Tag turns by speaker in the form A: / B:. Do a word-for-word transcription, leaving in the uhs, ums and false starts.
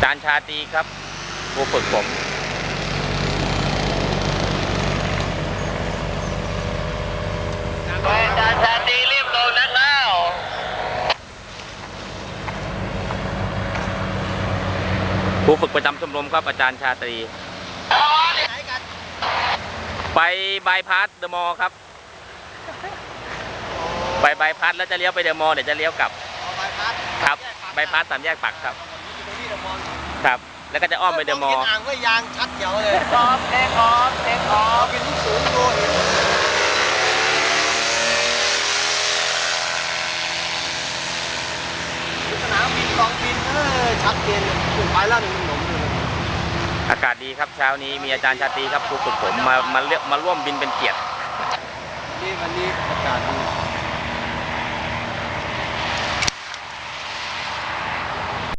A: ารย์ชาตรีครับผู้ฝึกผมอาจารย์ชาตรีรีบลงนักแล้วผู้ฝึกประจำชมรมครับอาจารย์ชาตรีไปบายพาสเดอะมอลล์ครับไปบายพาสแล้วจะเลี้ยวไปเดอะมอลล์เดี๋ยวจะเลี้ยวกลับครับบายพาสสามแยกปักครับครับแล้วก็จะอ้อมไปเดอะมอลล์
B: อ่างก็ยางชัดเขียวเลย
A: ออฟเทคออฟเทคออฟ
B: เป็นลูกสูงดูเห็นสนามบินกองบินเออชัดเจนขึ้นไปแล้วหนึ่งหนุ่มเลย
A: อากาศดีครับเช้านี้มีอาจารย์ชาตรีครับผู้ฝึกผมมามาเลือกมาร่วมบินเป็นเกียรติ
B: นี่วันนี้อากาศดี